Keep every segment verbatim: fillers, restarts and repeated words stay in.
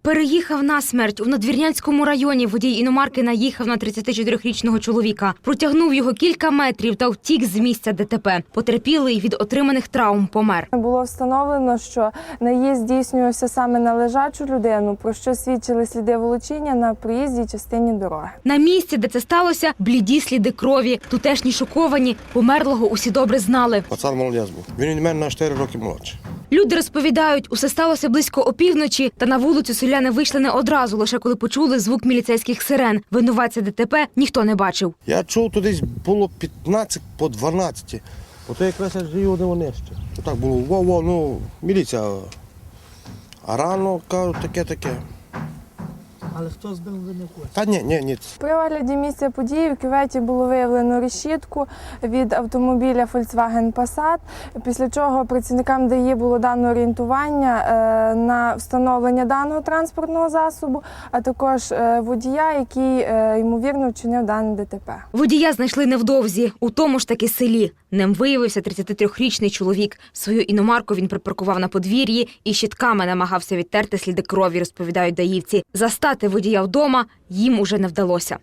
Переїхав на смерть. У Надвірнянському районі водій іномарки наїхав на тридцятичотирирічного чоловіка. Протягнув його кілька метрів та втік з місця ДТП. Потерпілий від отриманих травм помер. Було встановлено, що наїзд здійснювався саме на лежачу людину, про що свідчили сліди волочіння на проїзній частині дороги. На місці, де це сталося, бліді сліди крові. Тутешні шоковані. Померлого усі добре знали. Пацан молодець був. Він від мене на чотири роки молодший. Люди розповідають, усе сталося близько опівночі, та на вулицю селяни вийшли не одразу, лише коли почули звук міліцейських сирен. Винуватця ДТП ніхто не бачив. Я чув, то десь було п'ятнадцять по дванадцять. Ото якраз я жив де вони ще. Так було, во-во, ну, міліція. А рано, кажуть, таке-таке. Але хто збив, ви не хочете? Та ні, ні, ні. При огляді місця події в кюветі було виявлено решітку від автомобіля Volkswagen Passat, після чого працівникам ДАІ було дано орієнтування на встановлення даного транспортного засобу, а також водія, який, ймовірно, вчинив дане ДТП. Водія знайшли невдовзі, у тому ж таки селі. Ним виявився тридцятитрирічний чоловік. Свою іномарку він припаркував на подвір'ї і щітками намагався відтерти сліди крові, розповідають даївці. Застати водія вдома їм уже не вдалося.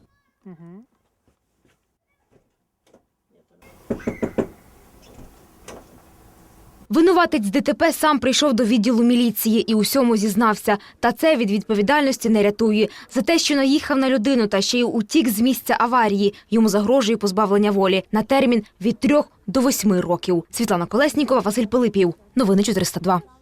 Винуватець ДТП сам прийшов до відділу міліції і усьому зізнався. Та це від відповідальності не рятує. За те, що наїхав на людину та ще й утік з місця аварії, йому загрожує позбавлення волі на термін від трьох до восьми років. Світлана Колеснікова, Василь Пилипів. Новини чотириста два.